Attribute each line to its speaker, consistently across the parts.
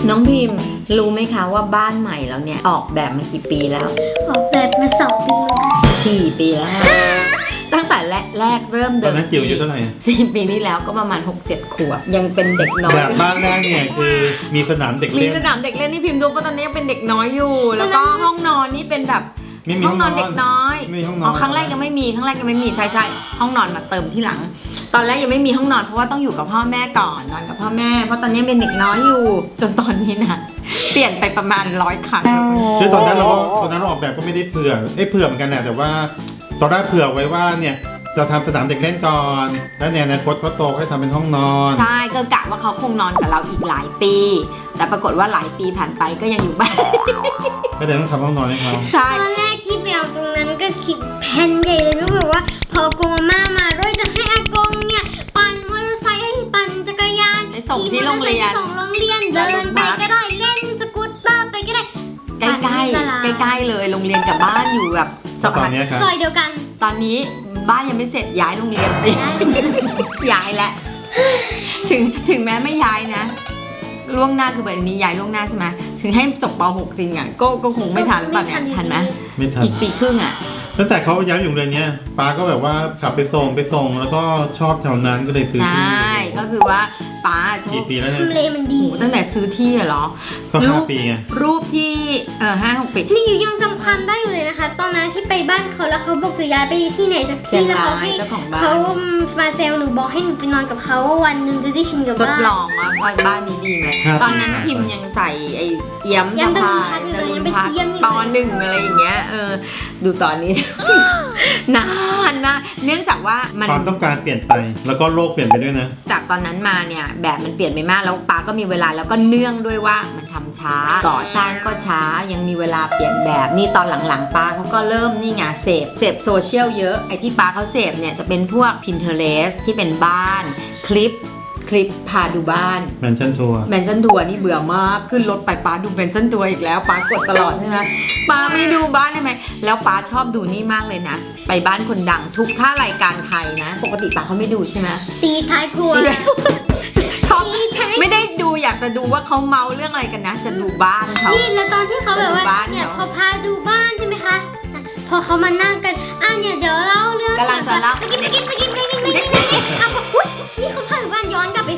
Speaker 1: น้องพิมพ์รู้ไหมคะว่าบ้านใหม่เราเนี่ยออกแบบมากี่ปีแล้ว
Speaker 2: ออกแบบมา2 ปีแล้ว
Speaker 1: 4 ปีแล้วตั้งแต่แรกเริ่มเดิ
Speaker 3: ตอนนั้นจิ๋วอยู่เท่าไหร่
Speaker 1: 4 ปีที่แล้วก็ประมาณ 6-7 ขวบยังเป็นเด็กน้อย
Speaker 3: แบบบ้านแรกเนี่ยคือมีสนามเด็กเล่น
Speaker 1: มีสนามเด็กเล่นนี่พิมพ์ดูว่าตอนนี้ยังเป็นเด็กน้อยอยู่แล้วก็ห้องนอนนี่เป็นแบบห้องนอนเด็กน้อยครั้งแรกยังไม่มีใช่ห้องนอนมาเติมที่หลังตอนแรกยังไม่มีห้องนอนเพราะว่าต้องอยู่กับพ่อแม่ก่อนนอนกับพ่อแม่เพราะตอนนี้เป็นเด็กน้อยอยู่จนตอนนี้นะเปลี่ยนไปประมาณ100 ครั้ง
Speaker 3: คือตอนนั้นเราออกแบบก็ไม่ได้เผื่อเหมือนกันนะแต่ว่าตอนแรกเผื่อไว้ว่าเนี่ยจะทำสนามเด็กเล่นก่อนแล้วในอนาคตเขาโตให้ทำเป็นห้องนอน
Speaker 1: ใช่ก็กะว่าเขาคงนอนกับเราอีกหลายปีแต่ปรากฏว่าหลายปีผ่านไปก็ยังอยู่บ้าน
Speaker 3: ก็เลยต้องทำห้องนอนให้เขา
Speaker 1: ใช่
Speaker 2: ตอนแรกที่ไปเอาตรงนั้นก็คิดแผนใหญ่เลยก็แบบว่าพอกงอาม่ามาด้วยจะให้อากงเนี่ยปั่นมอเตอร์ไซค์ให้ปั่นจักรยาน
Speaker 1: ไปส่งที่โรงเรียน
Speaker 2: เดินไปก็ได้เล่นสกูตเตอร์ไปก็ได้
Speaker 1: ใกล้เลยโรงเรียนกับบ้านอยู่แบบ
Speaker 2: ซอยเดียวกัน
Speaker 1: ตอนนี้บ้านยังไม่เสร็จย้ายโรงเรียนย้ายแล้วถึงแม้ไม่ย้ายนะล่วงหน้าคือแบบนี้ย้ายล่วงหน้าใช่ไหมถึงให้จบป .6 จริงอ่ะก็คงไม่ทันป่ะเนี่ยทันไหม
Speaker 3: ไม่ทัน
Speaker 1: อีกปีครึ่งอ่ะ
Speaker 3: ตั้งแต่เขาย้ายอยู่โรงเรียนเนี้ยป้าก็แบบว่าขับไปส่งแล้วก็ชอบแถวนั้นก็เลยซื้อที่
Speaker 1: ใช่ก็คือว่าป้าชอบ
Speaker 3: กี่ปีแล้วเนี่ย
Speaker 2: ทำเลมันดี
Speaker 1: ตั้งแต่ซื้อที่เหรอ
Speaker 3: ก็5 ปีไง
Speaker 1: รูปที่5-6 ปี
Speaker 2: นี่อยู่ยังจำความได้อยู่เลยนะคะตอนนั้นที่ไปบ้านเขาแล้วเขาบอกจะย้ายไปที่ไหนสักที่แล้วเขาให้เขามาเซลหนูบอกให้หนูไปนอนกับเขาวันนึงจะได้ชินกับบ้าน
Speaker 1: ทดลองว่าบ้านนี้ดีไหมตอนนั้นพิมยังใส่ไอ้เอี้ยมสะพายป.1 อะไรอย่างเงี้ยดูตอนนี้ นานมากเนื่องจากว่ามัน
Speaker 3: ความต้องการเปลี่ยนไปแล้วก็โลกเปลี่ยนไปด้วยนะ
Speaker 1: จากตอนนั้นมาเนี่ยแบบมันเปลี่ยนไปมากแล้วป้าก็มีเวลาแล้วก็เนื่องด้วยว่ามันทำช้าก่อสร้างก็ช้ายังมีเวลาเปลี่ยนแบบนี่ตอนหลังๆป้าเขาก็เริ่มนี่ไงเสพโซเชียลเยอะไอ้ที่ป้าเขาเสพเนี่ยจะเป็นพวก Pinterest ที่เป็นบ้านคลิปพาดูบ้าน
Speaker 3: แมนชั่นทัวร์
Speaker 1: นี่เบื่อมากขึ้นรถไปป้าดูแมนชั่นทัวร์อีกแล้วป้ากดตลอดใช่ไหมป้าไม่ดูบ้านได้ไหมแล้วป้าชอบดูนี่มากเลยนะไปบ้านคนดังทุกท่ารายการไทยนะปกติป้าเขาไม่ดูใช่ไหม
Speaker 2: ตีท้ายครัว
Speaker 1: ชอบไม่ได้ดูอยากจะดูว่าเขาเมาเรื่องอะไรกันนะจะดูบ้านเขา
Speaker 2: นี่แล้วตอนที่เขาแบบว่าเนี่ยพอพาดูบ้านใช่ไหมคะพอเขามานั่งกันเนี่ยเดี๋ยวเล่าเรื่อง
Speaker 1: กำลังจะเล่า
Speaker 2: สกิปนี่อุ้ยนี่เขาพาดูบ้านย้อนกลับไป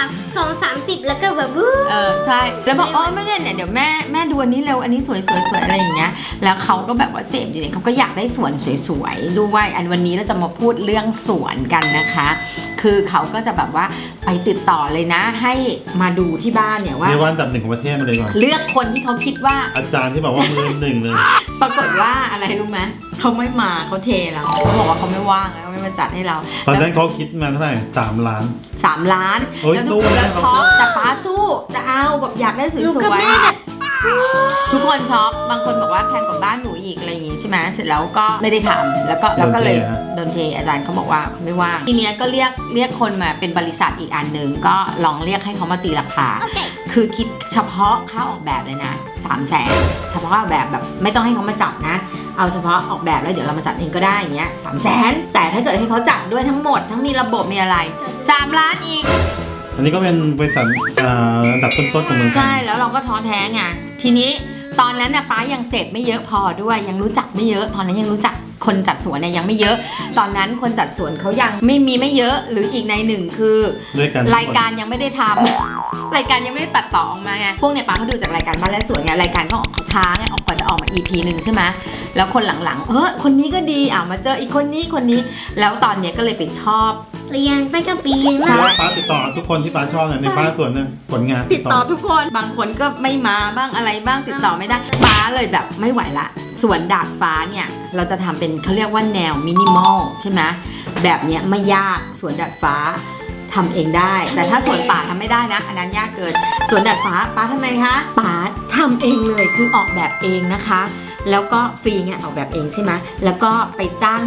Speaker 2: 2-30แล้วก็แบบ
Speaker 1: ใช่แล้วบอกไม่เนี่ยเดี๋ยวแม่ดูอันนี้เร็วอันนี้สวยอะไรอย่างเงี้ยแล้วเขาก็แบบว่าเสพจริงๆเขาก็อยากได้สวนสวยๆด้วยวันนี้เราจะมาพูดเรื่องสวนกันนะคะคือเขาก็จะแบบว่าไปติดต่อเลยนะให้มาดูที่บ้านเนี่ยว่า
Speaker 3: อันดับ 1ของประเทศมาเลยก่อน
Speaker 1: เลือกคนที่เขาคิดว่า
Speaker 3: อาจารย์ที่บอกว่ามือ 1เลย
Speaker 1: ปรากฏว่าอะไรรู้ไหมเขาไม่มาเขาเทเราเขาบอกว่าเขาไม่ว่างแล้วไม่มาจัดให้เรา
Speaker 3: ตอนนั้นเขาคิดมาเท่าไหร่3 ล้าน
Speaker 1: แล้วทุกคนช็อปแต่ป้าสู้จะเอาแบบอยากได้สวยๆทุกคนช็อปบางคนบอกว่าแพงกว่าบ้านหนูอีกอะไรอย่างงี้ใช่ไหมเสร็จแล้วก็ไม่ได้ทำแล้วก็เลยโดนเทอาจารย์เขาบอกว่าเขาไม่ว่างทีเนี้ยก็เรียกคนมาเป็นบริษัทอีกอันหนึ่งก็ลองเรียกให้เขามาตีราคาคือคิดเฉพาะค่าออกแบบเลยนะ300,000เฉพาะออกแบบไม่ต้องให้เขามาจัดนะเอาเฉพาะออกแบบแล้วเดี๋ยวเรามาจัดเองก็ได้อย่างเงี้ย300,000แต่ถ้าเกิดให้เขาจัดด้วยทั้งหมดทั้งมีระบบมีอะไร3 ล้านอีก
Speaker 3: อันนี้ก็เป็นบริษัทอันดับต้นๆของเมืองไทย
Speaker 1: ใช่แล้วเราก็ท้อแท้ไงทีนี้ตอนนั้นนะป้ายังเสพไม่เยอะพอด้วยยังรู้จักไม่เยอะตอนนั้นยังรู้จักคนจัดสวนเนี่ยยังไม่เยอะตอนนั้นคนจัดสวนเขายังไม่เยอะหรืออีกในหนึ่งคือรายการยังไม่ได้ทำรายการยังไม่ได้ตัดต่อออกมาไงพวกเนี่ยป้าเขาดูจากรายการบ้านและสวนไงรายการก็ออกช้าไงออกกว่าจะออกมา EP นึงใช่ไหมแล้วคนหลังๆคนนี้ก็ดีมาเจออีกคนนี้แล้วตอนเนี้ยก็เลยไปชอบ
Speaker 2: เรียนไปกับปี
Speaker 3: ใช่ป้าติดต่อทุกคนที่ป้าชอบในบ้านสวนเนี่ยผลงาน
Speaker 1: ติดต่อทุกคนบางคนก็ไม่มาบ้างอะไรบ้างติดต่อไม่ได้ป้าเลยแบบไม่ไหวละสวนดาดฟ้าเนี่ยเราจะทำเป็นเขาเรียกว่าแนวมินิมอลใช่ไหมแบบเนี้ยไม่ยากสวนดาดฟ้าทำเองได้แต่ถ้าสวนป่าทำไม่ได้นะอันนั้นยากเกินสวนดาดฟ้าป้าทำไมคะป้าทำเองเลยคือออกแบบเองนะคะแล้วก็ฟรีไงออกแบบเองใช่ไหมแล้วก็ไปจ้างเด็ก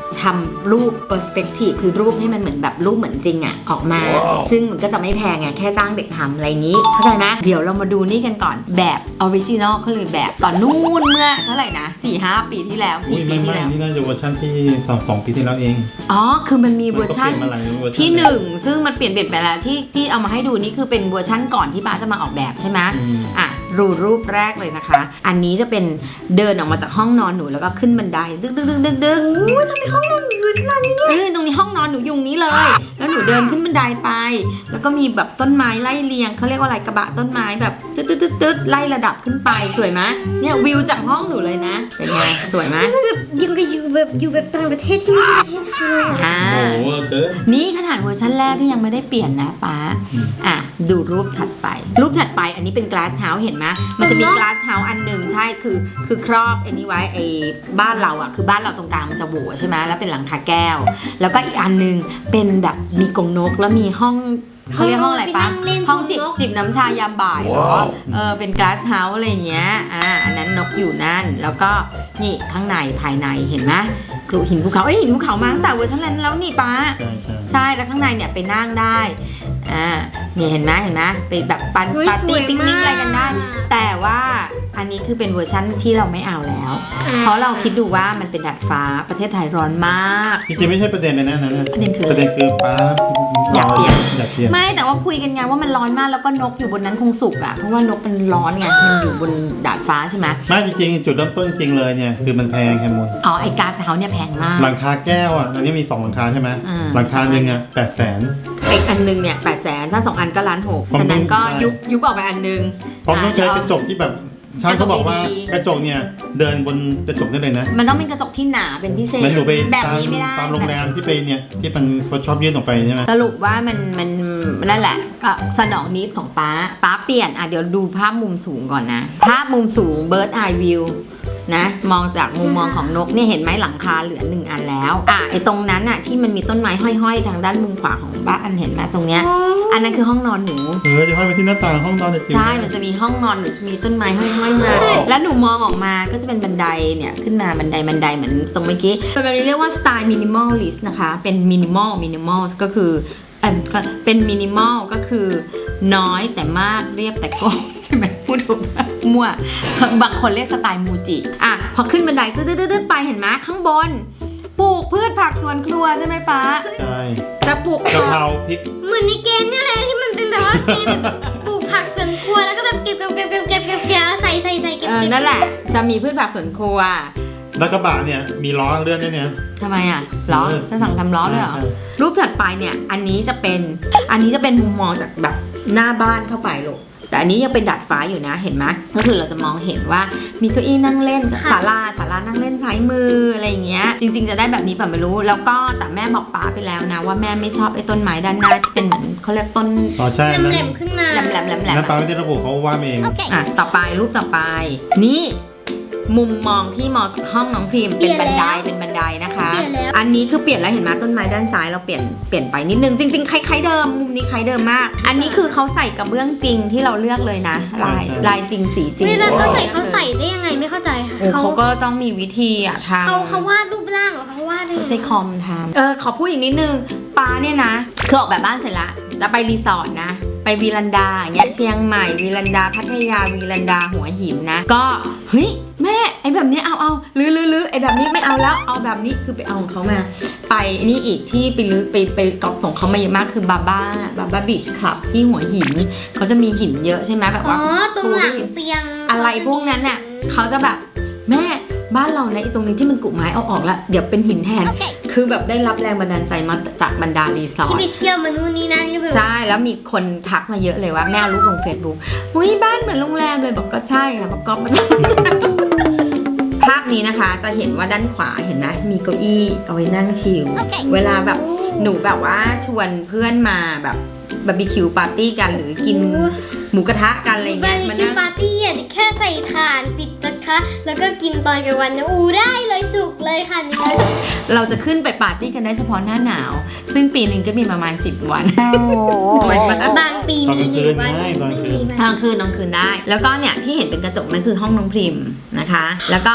Speaker 1: ทำรูป perspective คือรูปให้มันเหมือนแบบรูปเหมือนจริงอะออกมา ซึ่งมันก็จะไม่แพงไงแค่จ้างเด็กทำอะไรอย่างนี้เข้าใจไหมเดี๋ยวเรามาดูนี่กันก่อนแบบออริจินอลเขาเลยแบบตอนนู่นเมื่อเท่าไหร่นะ 4-5 ปีที่แล้ว4 ปีที่แล้ว
Speaker 3: นี่น่าจะเวอร์ชันที่2 ปีที่แล้วเอง
Speaker 1: อ๋อคือมันมีเวอร์ชัน
Speaker 3: มันก็เปลี่ยนมาหลายเวอร์ชัน
Speaker 1: ที่1ซึ่งมันเปลี่ยนไปแล้วที่เอามาให้ดูนี่คือเป็นเวอร์ชันก่อนที่ป้าจะมาออกแบบใช่ไหม อ่ะรูปแรกเลยนะคะ อันนี้จะเป็นเดินออกมาจากห้องนอนหนูแล้วก็ขึ้นบันไดดึกอุ้ยทำไมห้องนอนหนูสวยขนาดนี้เนี่ยตรงนี้ห้องนอนหนูยุงนี้เลย แล้วหนูเดินขึ้นบันไดไป แล้วก็มีแบบต้นไม้ไล่เรียงเขาเรียกว่าอะไรกระบะต้นไม้แบบตึ๊ดไล่ระดับขึ้นไปสวยไหมเนี่ยวิวจากห้องหนูเลยนะเป็นไงสวยไหม
Speaker 2: แบบยังกับอยู่แบบต่างประเทศที่ไม่ใช่ประเทศไทย
Speaker 1: อ่า
Speaker 3: โอ้โหเกิน
Speaker 1: นี่ขนาดเวอร์ชันแรกที่ยังไม่ได้เปลี่ยนนะป๊าอ่ะดูรูปถัดไปอันนี้เป็น glass house เห็นไหมมันจะมี glass house อันหนึ่งใช่คือครอบไอ้นี่ไว้ไอ้บ้านเราอ่ะคือบ้านเราตรงกลางมันจะโหว่ใช่ไหมแล้วเป็นหลังคาแก้วแล้วก็อีกอันหนึงเป็นแบบมีกรงนกแล้วมีห้องเขาเรียกห้องอะไรปะห้องจิบน้ำชายามบ่ายเหรอเป็น glass house อะไรอย่างเงี้ยอันนั้นนกอยู่นั่นแล้วก็นี่ข้างในภายในเห็นไหมหินภูเขาหินภูเขามาตั้งแต่เวอร์ชันนั้นแล้วนี่ป้า ใช่แล้วข้างในเนี่ยไปนั่งได้เนี่ยเห็นไหมไปแบบปาร์ตี้ปิกนิกอะไรกันได้ แต่ว่าอันนี้คือเป็นเวอร์ชั่นที่เราไม่เอาแล้ว เพราะเราคิดดูว่ามันเป็นดาดฟ้าประเทศไทยร้อนมาก
Speaker 3: จริงๆไม่ใช่ประเด็นเลยนะนั่น
Speaker 1: ประเด็นคือ
Speaker 3: ป้า
Speaker 1: อยากเปลี่ยน
Speaker 3: ไม่
Speaker 1: แต่ว่าคุยกันไงว่ามันร้อนมากแล้วก็นกอยู่บนนั้นคงสุกอ่ะเพราะว่านกมันร้อนไงมันอยู่บนดาดฟ้าใช่ไหม
Speaker 3: ไม่จริงๆจุดเริ่มต้นจริงเลยเนี่ยคือมันแพงแค่หมด
Speaker 1: อ๋อไอ้ก๊าซเฮาส์เนี่ยแพงมาก
Speaker 3: หลังคาแก้วอ่ะอันนี้มี2หลังคาใช่ไหมหลังคาหนึ่งอ่ะ800,000
Speaker 1: ไอ้อันนึงเนี่ย800,000ถ้า2 อันก็1,600,000ฉะนั้นก็ยุบออกไปอันนึง
Speaker 3: ผมต้องใช้กระจกที่แบบช่างเขาบอกว่ากระจกเนี่ยเดินบนกระจกได้เลยนะ
Speaker 1: มันต้องเป็นกระจกที่หนาเป็นพิเศษ
Speaker 3: มันหนูไป
Speaker 1: แบบนี้ไม่ได้
Speaker 3: ตามโรงแรมที่ไปเนี่ยที่มันเขาชอบยื่นออกไปใช่ไหม
Speaker 1: สรุปว่ามันนั่นแหละก็สนองนิดของป้าเปลี่ยนเดี๋ยวดูภาพมุมสูงก่อนนะภาพมุมสูง bird eye view นะมองจากมุมมองของนกเนี่ยเห็นไหมหลังคาเหลือ1 อันแล้วไอ้ตรงนั้นอะที่มันมีต้นไม้ห้อยๆทางด้านมุมขวาของบ้านเห็นไหมตรงเนี้ยอันนั้นคือห้องนอนหนู
Speaker 3: จะห้อยไปที่หน้าต่างห้องนอนจริง
Speaker 1: ใช่มันจะมีห้องนอนหนูจะมีต้นไม้ห้อยๆมาแล้วหนูมองออกมาก็จะเป็นบันไดเนี่ยขึ้นมาบันไดเหมือนตรงเมื่อกี้เป็นแบบนี้เรียกว่าสไตล์มินิมอลลิสต์นะคะเป็นมินิมอลก็คือเป็นมินิมอลก็คือน้อยแต่มากเรียบแต่โก้ใช่ไหมพูดถูกมั่วบางคนเรียกสไตล์มูจิพอขึ้นบันไดตึ๊ดไปเห็นไหมข้างบนปลูกพืชผักสวนครัวใช่ไหมป๊า
Speaker 3: ใช่
Speaker 1: จะปลูก
Speaker 3: กะเพราพริก
Speaker 2: เหมือนในเกมเนี่ยเลยที่มันเป็นแบบว่าเกมปลูกผักสวนครัวแล้วก็แบบเก็บใส่เก็บ
Speaker 1: นั่นแหละจะมีพืชผักสวนครัว
Speaker 3: แล้วกระบะเนี่ยมีล้อเลื่อนด้วยเนี่ย
Speaker 1: ทำไมล้อจะสั่งทำล้อเลยเหรอรูปถัดไปเนี่ยอันนี้จะเป็นมุมมองจากแบบหน้าบ้านเข้าไปลูกแต่อันนี้ยังเป็นดาดฟ้าอยู่นะเห็นไหมก็คือเราจะมองเห็นว่ามีเก้าอี้นั่งเล่นศาลานั่งเล่นซ้ายมืออะไรอย่างเงี้ยจริงๆจะได้แบบนี้ป่ะไม่รู้แล้วก็แต่แม่บอกป้าไปแล้วนะว่าแม่ไม่ชอบไอ้ต้นไม้ด้านหน้าที่เป็นเหมือนเขาเรียกต้น
Speaker 3: ใช่
Speaker 2: แหลมขึ้นมา
Speaker 1: แหลม
Speaker 3: แล้วป้าไม่ได้ระบุเขาว่าเอง
Speaker 1: ต่อไปรูปต่อไปนี่มุมมองที่มองจากห้องน้องพรีมเป็นบันไดนะคะอันนี้คือเปลี่ยนแล้วเห็นไหมต้นไม้ด้านซ้ายเราเปลี่ยนไปนิดนึงจริงๆคล้ายๆเดิมมุมนี้คล้ายเดิมมากอันนี้คือเขาใส่กระเบื้องจริงที่เราเลือกเลยนะลายจริงสีจริง
Speaker 2: เวลาเขาใส่ได้ยังไงไม่เข้าใจค่ะ
Speaker 1: เขาก็ต้องมีวิธีทำ
Speaker 2: เขาวาดรูปร่างเหรอเขาวาดได้
Speaker 1: ใช้คอมทำขอพูดอีกนิดนึงป้าเนี่ยนะคือออกแบบบ้านเสร็จละจะไปรีสอร์ทนะไปวีลันดาอย่างเงี้ยเชียงใหม่วีลันดาพัทยาวีลันดาหัวหินนะก็เฮ้ยแม่ไอแบบนี้เอาหรือไอแบบนี้ไม่เอาแล้วเอาแบบนี้คือไปเอาของเขามาไปนี่อีกที่ไปกอบของเขามาเยอะมากคือบาบ้าบีชคลับที่หัวหินเขาจะมีหินเยอะใช่ไหมแบบว่า
Speaker 2: ตรงหลังเตียง
Speaker 1: อะไรพวกนั้นน่ะเขาจะแบบแม่บ้านเราในตรงนี้ที่มันกุไม้เอาออกแล้วเดี๋ยวเป็นหินแทน คือแบบได้รับแรงบันดาลใจมาจากบรรดารีสอร์ท
Speaker 2: ที่ไปเที่ยวมานู่นนี่นั่นที่แบบ
Speaker 1: ใช่แล้วมีคนทักมาเยอะเลยว่าแม่เอารูปลง Facebook อุ้ยบ้านเหมือนโรงแรมเลยบอกก็ใช่ค่ะประกอบมาจากภาพนี้นะคะจะเห็นว่าด้านขวาเห็นไหมมีเก้าอี้เอาไว้นั่งชิลเวลาแบบหนูแบบว่าชวนเพื่อนมาแบบบาร์บีคิวปาร์ตี้กันหรือกินหมูกระทะกันอะไรเงี้ย
Speaker 2: มันนั่งปาร์ตี้แค่ใส่ถ่านปิดนะคะแล้วก็กินตอนกลางวันนะได้เลยสุกเลยค่ะนี่
Speaker 1: เราจะขึ้นไปปาร์ตี้กันได้เฉพาะหน้าหนาวซึ่งปีนึงก็มีประมาณ10 วัน
Speaker 2: บางปีมี1 วันไม่มี
Speaker 1: กลางคืนได้แล้วก็เนี่ยที่เห็นเป็นกระจกนั่นคือห้องน้องพริมนะคะแล้วก็ข้าง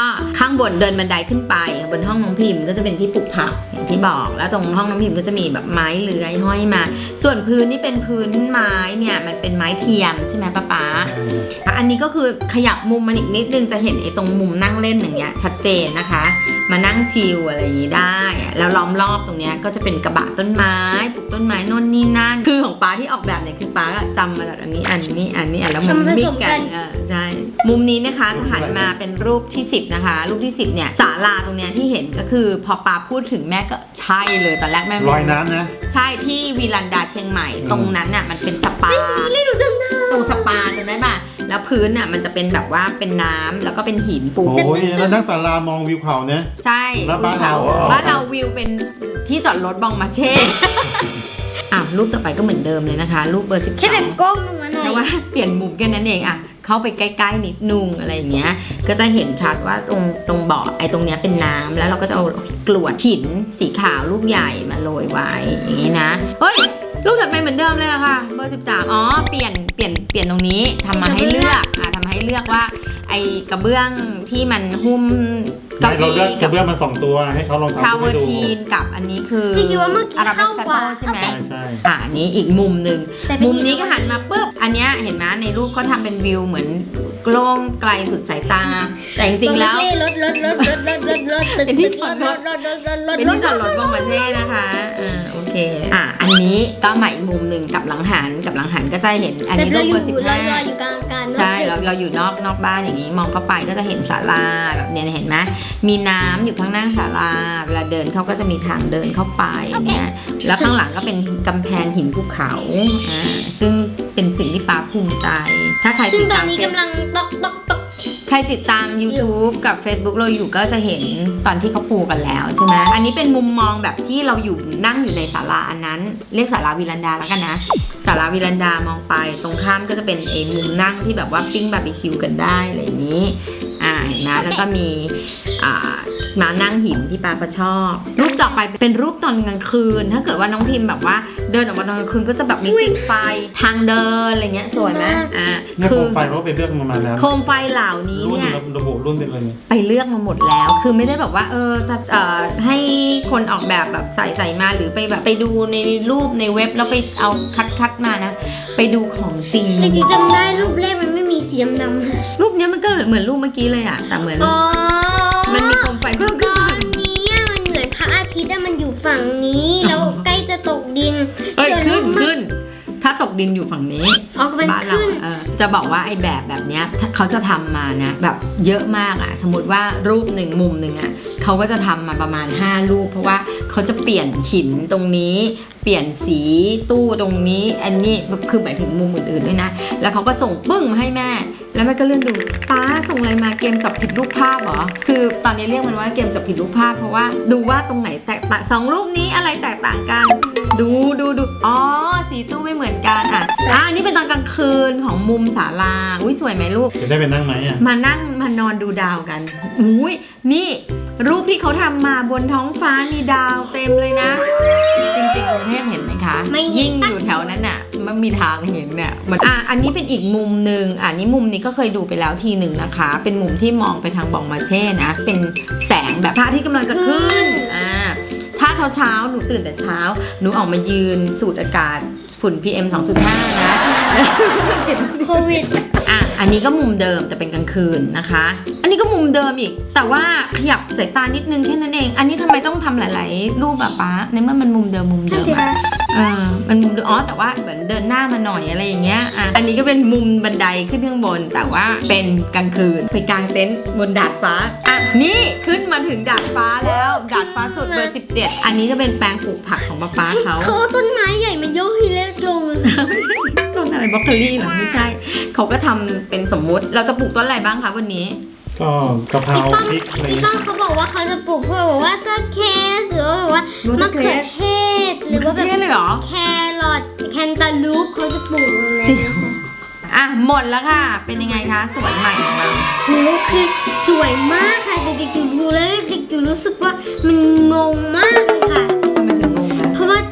Speaker 1: างบนเดินบันไดขึ้นไปบนห้องน้องพิมพ์ก็จะเป็นที่ปลูกผักอย่างที่บอกแล้วตรงห้องน้องพิมพ์ก็จะมีแบบไม้เลื้อยห้อยมา ส่วนพื้นนี่เป็นพื้นไม้เนี่ยมันเป็นไม้เทียมใช่ไหมป๊าอันนี้ก็คือขยับมุมมันอีกนิดนึงจะเห็นไอ้ตรงมุมนั่งเล่นอย่างเงี้ยชัดเจนนะคะมานั่งชิลอะไรอย่างนี้ได้แล้วล้อมรอบตรงเนี้ยก็จะเป็นกระบะต้นไม้ปลูกต้นไม้โน่นนี่นั่นคือของป๊าที่ออกแบบเนี่ยคือป๊าจำมาจากอันนี้แล้วมันมิกกันใช่มุมนี้นะคะจะหันมาเป็นรูปที่10นะคะรูปที่10เนี่ยศาลาตรงเนี้ยที่เห็นก็คือพอป๊าพูดถึงแม่ก็ใช่เลยตอนแรกแม่
Speaker 3: ลอยน้ำนะ
Speaker 1: ใช่ที่วีลันดาเชียงใหม่ตรงนั้นน่ะมันเป็นสปาตรงสปาจำได้ป่ะแล้วพื้นน่ะมันจะเป็นแบบว่าเป็นน้ำแล้วก็เป็นหินปู
Speaker 3: โอ้ยแล้วนั่งศาลามองวิวเขาเนี่ย
Speaker 1: ใช่
Speaker 3: แล้วบ้านเรา
Speaker 1: วิวเป็นที่จอดรถบองมาเช่ รูปต่อไปก็เหมือนเดิมเลยนะคะรูปเบอร์12
Speaker 2: แค่แบบก้มลงมาหน่อย
Speaker 1: แต่ว่าเปลี่ยนมุมแค่นั้นเองเข้าไปใกล้ๆนิดนึงอะไรอย่างเงี้ยก็จะเห็นชัดว่าตรงเบาะไอ้ตรงเนี้ยเป็นน้ำแล้วเราก็จะเอากรวดหินสีขาวลูกใหญ่มาโรยไว้อย่างนี้นะเฮ้ยลูกถัดไปเหมือนเดิมเลยค่ะเบอร์13อ๋อเปลี่ยนตรงนี้ทำมาให้เลือกทำให้เลือกว่าไอ้กระเบื้องที่มันหุ้ม
Speaker 3: เราเลือกกระเบื้องมา2ตัวให้เขาลองทำให้ดู
Speaker 1: คาเวอร์ทีนกับอันนี้คือ
Speaker 2: จริงๆว่าเมื่อกี้เข้า
Speaker 1: ว่าใช่ไหมใช่อันนี้อีกมุมหนึ่งมุมนี้ก็หันมาปุ๊บอันเนี้ยเห็นไหมในรูปเขาทำเป็นวิวเหมือนโกล้งไกลสุดสายตาแต่จริงๆแล้วเป็นที่จอดรถบองมาเช่นะคะโอเคอันนี้ก็ใหม่อีกมุมหนึ่งกับหลังหันก็จะเห็นอันนี้รูปเบอร์15
Speaker 2: อยู่กลางกัน
Speaker 1: ใช่เราอยู่นอกบ้านอย่างนี้มองเข้าไปก็จะเห็นศาลาแบบเนี้ยเห็นไหมมีน้ำอยู่ข้างหน้าศาลาเวลาเดินเขาก็จะมีทางเดินเข้าไปเนี่ยแล้วข้างหลังก็เป็นกำแพงหินภูเขาซึ่งเป็นสิ่งที่ป๊าภูมิใจถ้าใคร
Speaker 2: ซึ่งตอนนี้กำลังตก
Speaker 1: ใครติดตาม YouTube กับ Facebook เราอยู่ก็จะเห็นตอนที่เขาปูกันแล้วใช่ไหมอันนี้เป็นมุมมองแบบที่เราอยู่นั่งอยู่ในศาลาอันนั้นเรียกศาลาวิลันดาแล้วกันนะศาลาวิลันดามองไปตรงข้ามก็จะเป็นมุมนั่งที่แบบว่าปิ้งบาร์บีคิวกันได้อะไรอย่างนี้เห็นไหมแล้วก็มีมานั่งหินที่ปาก็ชอบรูปต่อไปเป็นรูปตอนกลางคืนถ้าเกิดว่าน้องพิมพ์แบบว่าเดินออกมาตอนกลางคืนก็จะแบบมีติดไฟทางเดินอะไรเงี้ยสวยไหม
Speaker 3: คือโคมไฟเราไปเลือกมาแล้ว
Speaker 1: โคมไฟเหล่านี้เนี่ย
Speaker 3: ระบุรุ่นเป็นอะไร
Speaker 1: ไปเลือกมาหมดแล้วคือไม่ได้แบบว่าจะให้คนออกแบบใส่มาหรือไปแบบไปดูในรูปในเว็บแล้วไปเอาคัดมานะไปดูของจริง
Speaker 2: จริงๆจำได้รูปแรกมันไม่มีสีดำ
Speaker 1: ๆรูปนี้มันก็เหมือนรูปเมื่อกี้เลยแต่เหมือนมันมีโคมไฟเพิ่มขึ้น
Speaker 2: นี้มันเหมือนพระอาทิตย์มันอยู่ฝั่งนี้แล้วใกล้จะตกดิน
Speaker 1: ขึ้นถ้าตกดินอยู่ฝั่งนี้บ้านเราจะบอกว่าไอ้แบบเนี้ยเขาจะทำมานะแบบเยอะมากสมมติว่ารูปหนึ่งมุมหนึ่งเขาก็จะทำมาประมาณ5รูปเพราะว่าเขาจะเปลี่ยนหินตรงนี้เปลี่ยนสีตู้ตรงนี้อันนี้คือหมายถึงมุมอื่นๆด้วยนะแล้วเขาก็ส่งปึ้งมาให้แม่แล้วแม่ก็เลื่อนดูป้าส่งอะไรมาเกมจับผิดรูปภาพเหรอคือตอนนี้เรียกมันว่าเกมจับผิดรูปภาพเพราะว่าดูว่าตรงไหนแตกต่าง2รูปนี้อะไรแตกต่างกันดูอ๋อสีตู้ไม่เหมือนกันอันนี้เป็นตอนกลางคืนของมุมศาลาอุ้ยสวยไหมลูก
Speaker 3: จะได้ไปนั่งไหม
Speaker 1: มานั่งมานอนดูดาวกันอุ้ยนี่รูปที่เขาทำมาบนท้องฟ้ามีดาวเต็มเลยนะจริงๆกรุงเทพเห็นไหมคะยิ่งอยู่แถวนั้นมันมีทางเห็นเนี่ยอันนี้เป็นอีกมุมหนึ่งนี่มุมนี้ก็เคยดูไปแล้วทีหนึ่งนะคะเป็นมุมที่มองไปทางบองมาเช่นะเป็นแสงแบบพระอาทิตย์กำลังจะขึ้นถ้าเช้าหนูตื่นแต่เช้าหนูออกมายืนสูดอากาศฝุ่น PM 2.5 นะ
Speaker 2: โควิด
Speaker 1: อันนี้ก็มุมเดิมแต่เป็นกลางคืนนะคะอันนี้ก็มุมเดิมอีกแต่ว่าขยับสายตานิดนึงแค่นั้นเองอันนี้ทำไมต้องทำหลายๆรูปป๊าในเมื่อมันมุมเดิมมันมุมเดิมแต่ว่าเหมือนเดินหน้ามาหน่อยอะไรอย่างเงี้ยอันนี้ก็เป็นมุมบันไดขึ้นข้างบนแต่ว่าเป็นกลางคืนไปกางเต็นท์บนดาดฟ้านี่ขึ้นมาถึงดาดฟ้าแล้วดาดฟ้าสุดเบอร์17อันนี้จะเป็นแปลงปลูกผักของป๊าเขา
Speaker 2: ต้นไม้ใหญ่มันโยกให้เล็กลง
Speaker 1: ต้นอะไรบล็อกเกอรี่หรอไม่ใช่เขาก็ทำเป็นสมมุติเราจะปลูกต้นอะไรบ้างคะวันนี้
Speaker 3: ก็กะเพราพริกอะไร
Speaker 2: พี่ป้องเขาบอกว่าเขาจะปลูกเพื่อบอกว่าต้นเคสหรือว่ามะเขือเทศหรือว่าแบบแครอทแคนตาลูปเขาจะปลูกเลย
Speaker 1: หมดแล้วค่ะเป็นยังไงคะสวนใหม่ของเรา
Speaker 2: คือสวยมากค่ะเด็กๆจูดูแล้วเด็กๆจูรู้สึกว่ามันงงมากค่ะเพราะว่าก็มันปี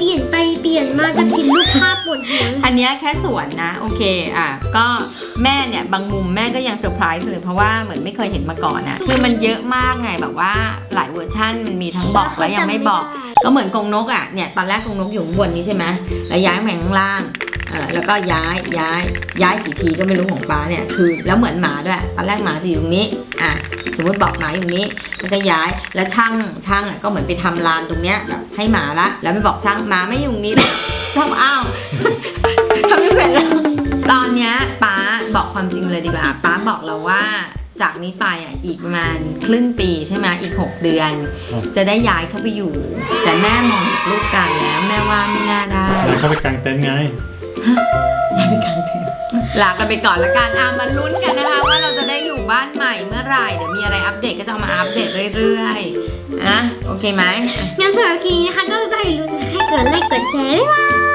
Speaker 2: ลี่ยนไปเปลี่ยนมาจะผิดรูปภาพปวดหัว
Speaker 1: อันเนี้ยแค่ส่วนนะโอเคก็แม่เนี่ยบางมุมแม่ก็ยังเซอร์ไพรส์เลยเพราะว่าเหมือนไม่เคยเห็นมาก่อนอะคือมันเยอะมากไงแบบว่าหลายเวอร์ชั่นมันมีทั้งบอกและยังไม่บอกก็เหมือนกรงนกอะเนี่ยตอนแรกกรงนกอยู่ข้างบนนี้ใช่ไหมแล้วย้ายมาข้างล่างแล้วก็ย้ายกี่ทีก็ไม่รู้ของป้าเนี่ยคือแล้วเหมือนหมาด้วยตอนแรกหมาจะอยู่ตรงนี้สมมติบอกหมาอยู่นี้แล้วก็ย้ายแล้วช่างอะก็เหมือนไปทำลานตรงเนี้ยแบบให้หมาละแล้วไม่บอกช่างหมาไม่อยู่นี้เลยทำอ้าวทำไม่เสร็จแล้วตอนเนี้ยป้าบอกความจริงเลยดีกว่าป้าบอกเราว่าจากนี้ไปอีกประมาณครึ่งปีใช่ไหมอีก6 เดือนจะได้ย้ายเข้าไปอยู่แต่แม่มองจากรูปการแล้วแม่ว่าไม่น่าได้
Speaker 3: แล้วเข้าไปกางเต็นท์ไง
Speaker 1: ย้ายไปกางเต็นท์ลากันไปก่อนละกันมาลุ้นกันนะคะว่าเราจะได้อยู่บ้านใหม่เมื่อไหร่เดี๋ยวมีอะไรอัปเดตก็จะเอามาอัปเดตเรื่อยๆโอเคไหม
Speaker 2: งั้นสำหรับคลิปนี้นะคะก็ไม่ไปรู้จะให้กดไลค์กดแชร์บ๊ายบาย